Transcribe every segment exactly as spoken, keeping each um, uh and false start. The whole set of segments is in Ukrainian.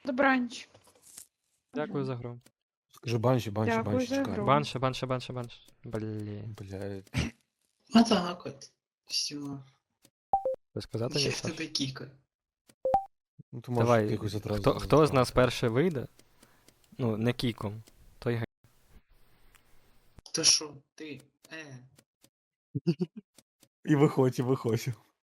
Добраніч. Дякую за гру. Скажи банші, банші, Дякую банші, за чекай. гру. Банше, банше, банше, банше. Блін. Бля, А так от. Все. Ви сказати Я ні, в Саш? тебе кікаю. ну ти можеш Давай, якось одразу. хто, хто з нас перший вийде? Ну, не кіком. Той гей. То що, ти? Е. І виходь, і виходь.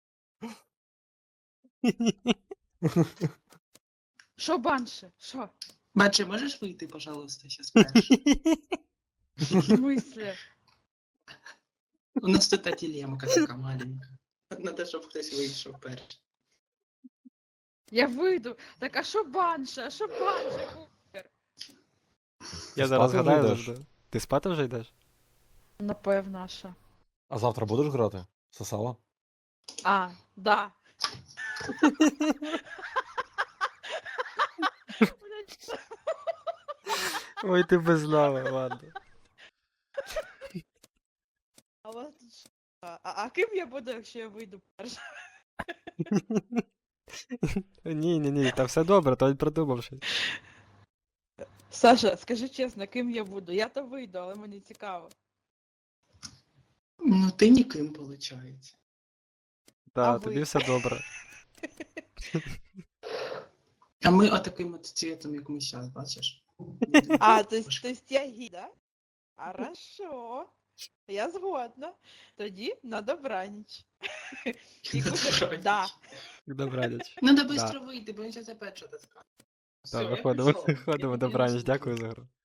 Що банше? Що? Бачи, можеш вийти, пожалуйста, сейчас перший? В смислі? У нас тут та дилемка така маленька. Надо, щоб хтось вийшов перший. Я вийду. Так а що банше? А що банше? Купер? Я зараз Спати вже гадаю йдеш? завжди. Ти спати вже йдеш? Напевно, що. А завтра будеш грати? Сосала? А, да. Ой, ти без лави, ладно. А, у вас тут що? А, а ким я буду, якщо я вийду перша? Ні, ні, ні, та все добре, то придумав щось. Саша, скажи чесно, ким я буду? Я то вийду, але мені цікаво. Ну, ти ніким, виходить. Так, А тобі ви? все добре. А ми отаким от цвітом, як ми зараз, бачиш? А, то есть, то есть я гіда? Хорошо. Я згодна. Тоді на добраніч. І Купер, да. Добраніч. Надо швидко вийти, бо він зараз опять щось скаже. Так, Всё, я виходимо, пішов. виходимо, Я добраніч, піду дякую за гру.